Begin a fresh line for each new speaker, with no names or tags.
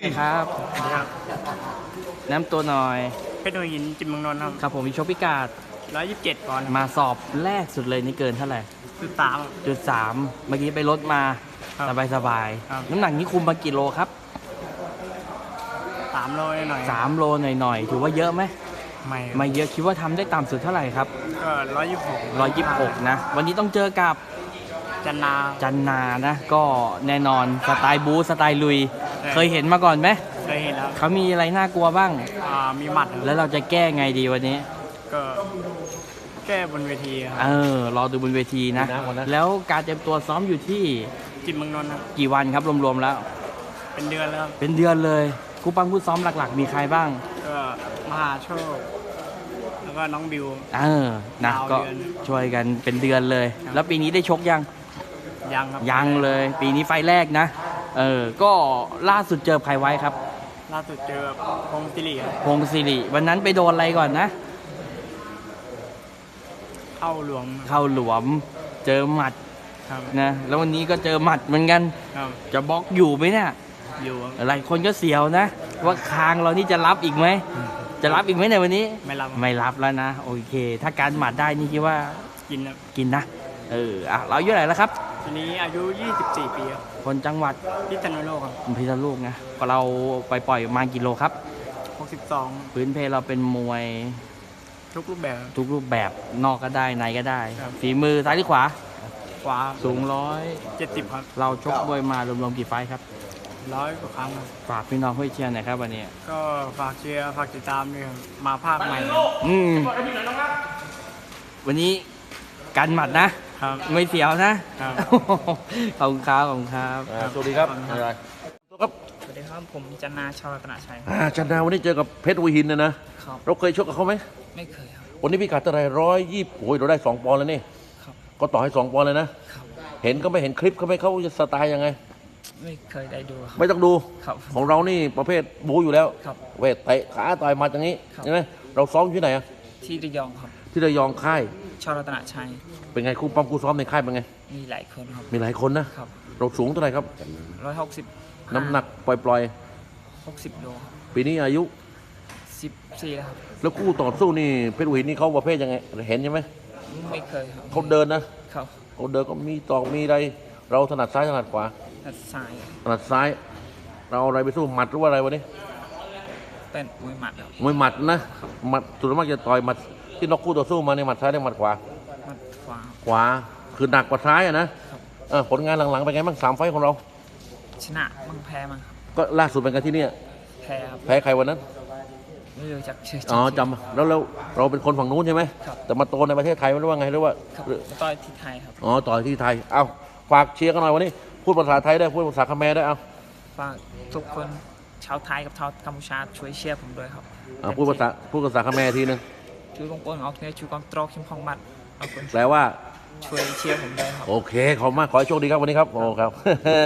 ครับ
ครับ
น้ำตัวหน่อย
เพชรหัวหินจิมเมืองนนท์ครับ
ครับผมมีชกพิกาด
127 ปอนด์
มาสอบแรกสุดเลยนี่เกินเท่าไหร่
3
3เมื่อกี้ไปลดมา
ครับ
สบาย
ครับ
น้ำหนักนี้คุมมากี่โลครับ
3 โลหน่อย
3 โลหน่อยๆถือว่าเยอะไหม ไม่เยอะคิดว่าทำได้ต่ำสุดเท่าไหร่ครับ
ก็126
นะ วันนี้ต้องเจอกับ
จันนา
นะ ก็แน่นอนสไตล์บูสไตล์ลุย
ใช่
เคยเห็นมาก่อนไหม
เคยเห็นแล้ว
เขามีอะไรน่ากลัวบ้าง
มีหมัดครับ
แล้วเราจะแก้ไงดีวันนี้
ก็แก้บนเวทีครับ
รอดูบนเวทีนะ แล้วการเตรียมตัวซ้อมอยู่ที่
จิมเมืองนนท์ครับ
กี่วันครับรวมๆแล้ว
เป็นเดือนแล้วครับ
เป็นเดือนเลยครูปังผู้ซ้อมหลักๆ มีใครบ้าง
ก็มหาโชค แล้วก็น้องบิว
นะ
ยาว
ก็
เดือน
ช่วยกันเป็นเดือนเลย
ครับ
แล้วปีนี้ได้ชกยัง
ยังครับ
ยังเลย ปีนี้ไฟล์แรกนะ ก็ล่าสุดเจอใครไว้ครับ
ล่าสุดเจอพงศ์สิริครับ
พงศ์ศิริวันนั้นไปโดนอะไรก่อนนะ
เข้าหลวม
เข้าหลวมเจอหมัด
ครับ
นะแล้ววันนี้ก็เจอหมัดเหมือนกัน
ครับ
จะบล็อกอยู่ไหมเนี่ย
อยู่ครับ
หลายคนก็เสียวนะ ว่าคางเรานี่จะรับอีกไหม จะรับอีกไหมในวันนี้
ไม่รับ
ไม่รับแล้วนะ โอเค ถ้าการหมัดได้นี่คิดว่า
กินครับ
กินนะเราอายุเท่าไหร่แล้วครับ
ทีนี้อายุ 24 ปีครับ
คนจังหวัด
พิษณุโลกครับ
พิษณุโลกนะก็เราไปปล่อยมากี่โลครับ
62
พื้นเพเราเป็นมวย
ทุกรูปแบบ
ทุกรูปแบบนอกก็ได้ในก็ได้
ครับ
ฝีมือซ้ายหรือขวา
ขวา
สูง
70 ครับ
100เราชกมวยมารวมๆกี่ไฟท์ครับ
100 กว่าครั้งครับ
ฝากพี่น้องเพื่อเชียร์หน่อยครับวันนี้
ก็ฝากเชียร์ฝากติดตามด้วยครับมาภาคใหม่
อืมวันนี้กันหมัดนะ
ครับ
ไม่เสียวนะครับ ขอบคุณครับขอบคุณครับ
สวัสดีครับ ครับ
สวัสดีครับผมจันนาชาวรัตนชัย
จันดาวันนี้เจอกับเพชรหัวหินนะครับ เราเคยชกกับเขาไหม
ไม่เคยครับ
วันนี้พี่กัดเท่าไหร่120โอ้ยเราได้2 ปอนด์แล้วนี่
ครับ
ก็ต่อให้2 ปอนด์เลยนะ
ครับ
เห็นก็ไม่เห็นคลิปเขาไหม่เขาจะสไตล์ยังไง
ไม่เคยได้ดูครับ
ไม่ต้องดู
ครับ
ของเรานี่ประเภทบูอยู่แล้ว
ครับ
เวทเตะขาต่อยหมัดอย่างนี้
ครับ
ใช่ไหมเราซ้อมอยู่ที่ไหนอะ
ที่ระยองครับ
ที่ระยองค่าย
ชาวรัตนชัย
เป็นไงคู่ปั้มคู่ซ้อมในค่ายเป็นไง
มีหลายคนครับ
มีหลายคนนะครับ เราสูงเท่าไหร่ครับ
160
น้ำหนักปล่อย
60 โลครับ
ๆ ปีนี้อายุ
14แล้วครับ
แล้วคู่ต่อสู้นี่เพชรหัวหินนี่เขาประเภทยังไงเห็นใช่ไหม
ไม่เคยครับ
เขาเดินนะครับ เขาเดินก็มีตอกมีอะไรเราถนัดซ้ายถนัดขวา
ตัดสาย
ถนัดซ้าย เราเอาอะไรไปสู้หมัดหรือว่าอะไรวะนี่
เป็นมวยหมัดครับ
มวยหมัดนะหมัดส่วนมากจะต่อยหมัดที่นอกคู่ต่อสู้มาในหมัดซ้ายและหมัดขวา
หมัดขวา
ขวาคือหนักกว่าซ้ายอะนะผลงานหลังๆเป็นไงบ้าง3 ไฟต์ของเรา
ชนะมั่งแพ้มั่งครับ
ก็ล่าสุดเป็นกันที่เนี่ย
แพ้ครับ
แพ้ใครวันนั้น
ไม่รู้จักชื่อ
อ๋อจำแล้วเราเป็นคนฝั่งนู้นใช่ไหม
ครับ
แต่มาโตในประเทศไทยไม่รู้ว่าไงหรือว่า
ครับต่อยที่ไทยครับ
อ๋อต่อยที่ไทยเอาฝากเชียร์กันหน่อยวันนี้พูดภาษาไทยได้พูดภาษาเขมรได้เอา
ฝากทุกคนชาวไทยกับชาวกัมพูชาช่วยเชียร์ผมด้วยครับ
พูดภาษาเขมรทีนึง
ช่วยบงปนเอาเนี่ยช่วยกองตรอกชิมพองมัดเอาคน
แปลว่า
ช่วยเชียร์ผมด้วยครับ
โอเค ขอบคุณมาก ขอให้โชคดีครับวันนี้ครับ โอ้ครับ